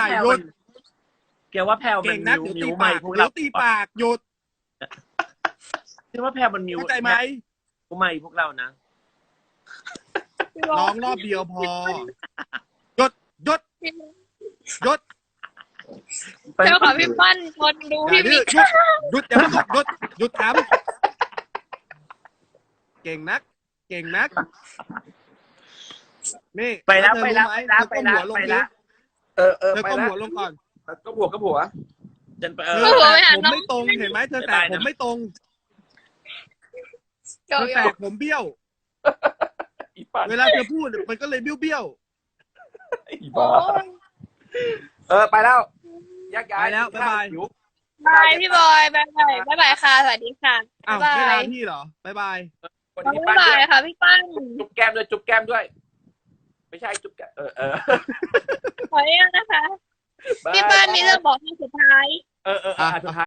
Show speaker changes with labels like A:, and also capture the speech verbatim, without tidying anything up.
A: แพลวมันแกว่าแพลวมั
B: เก่
A: น
B: งนัก
A: มิว
B: เดี๋ยว
A: มิ
B: ตี
A: วใหม่
B: ปาก
A: พวก
B: เดี๋
A: เรา
B: ยวตีปากหยุด
A: แกว่าแพลวมันมิว
B: เข้าใจไหม
A: มิวใหม่พวกเรานะ
B: ร้องรอบเดียวพอหยุดหยุดหยุด
C: เจ้าค่ะพี่ปั้นคนดู
B: อย่า
C: พี่
B: ดื้
C: มิ
B: อก หยุดหยุดอย่าเพิ่งหยุดหยุดหยุดถามเก่งนัก เก่งนักนี่
A: ไปแล้ว
B: เธอ
A: ไปแล้ว
B: รู้หม
A: ไปแล้ว
B: เธอก้มหัวลง
A: ไป
B: ดิ
A: แล้ว
D: เออเออ
B: เธอ
D: ไป
B: ก้ม
D: แล้ว
B: หัวลงก่อน
D: ก็ผัวก็ผัว
A: ฉันไปเอ
B: เธ
A: อ
B: อแตกผมไม่ตรงเห็นไหมเธอแตกผมไม่ตรง
C: เจ้า
B: เธอแตกผมเบี้ยว
D: อีปัน
B: เวลาเธอพูดมันก็เลยเบี้ยวเบี้ยว
D: อีบ้าเออไปแล้วแยกย้าย
B: ไปแล้วบ๊ายบาย
D: หิว
C: บายพี่บอยบายบายบายบายค่ะสวัสดีค่ะ
B: อ้าว
C: บา
B: ไม่
C: ย
B: ลา
C: บาย
B: พี่เหรอบ๊ายบาย
D: คน
C: บา
D: ที่ปั้น
C: ย
D: ด้วย
C: ค่ะพี่ปั้น
D: จุ๊บแก้มด้วยจุ๊บแก้มด้วย ไม่ใช่จุ๊บแก้มเออเออ
C: ขออนุญาตนะคะ พี่ปั้นมีเรื่องบอกที่สุดท้าย
D: เออเอออ่ะสุดท้าย